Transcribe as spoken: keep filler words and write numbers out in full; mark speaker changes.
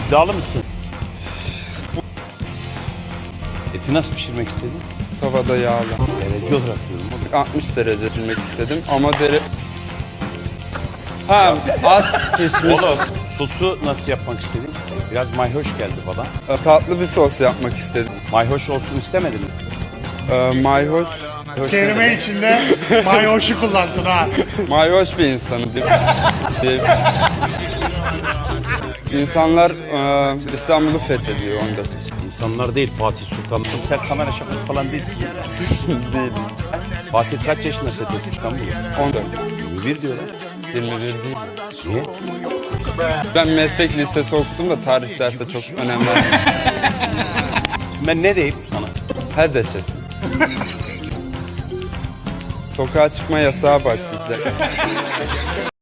Speaker 1: İddialı mısın? Eti nasıl pişirmek istedin?
Speaker 2: Tavada yağlı.
Speaker 1: Derece olarak diyorum oğlum.
Speaker 2: altmış derece pişirmek istedim ama dere... Ha, az pişmiş.
Speaker 1: Oğlum sosu nasıl yapmak istedin? Biraz mayhoş geldi bana.
Speaker 2: Tatlı bir sos yapmak istedim.
Speaker 1: Mayhoş olsun istemedin mi?
Speaker 2: Ee, mayhoş,
Speaker 3: Kelime içinde mayoşu kullandın ha.
Speaker 2: mayhoş bir insanım. Diye- İnsanlar e, İstanbul'u fethediyor onda.
Speaker 1: İnsanlar değil Fatih Sultan. Sen kamera şakası falan değilsin.
Speaker 2: Değil.
Speaker 1: Fatih kaç yaşında fethetmiş İstanbul'u?
Speaker 2: on dört.
Speaker 1: yirmi bir diyorlar.
Speaker 2: yirmi bir değil.
Speaker 1: Niye?
Speaker 2: Ben meslek lisesi okusum da tarih dersi çok önemli.
Speaker 1: Ben ne diyeyim sana?
Speaker 2: Her deşet. Sokağa çıkma yasağı başlayacak.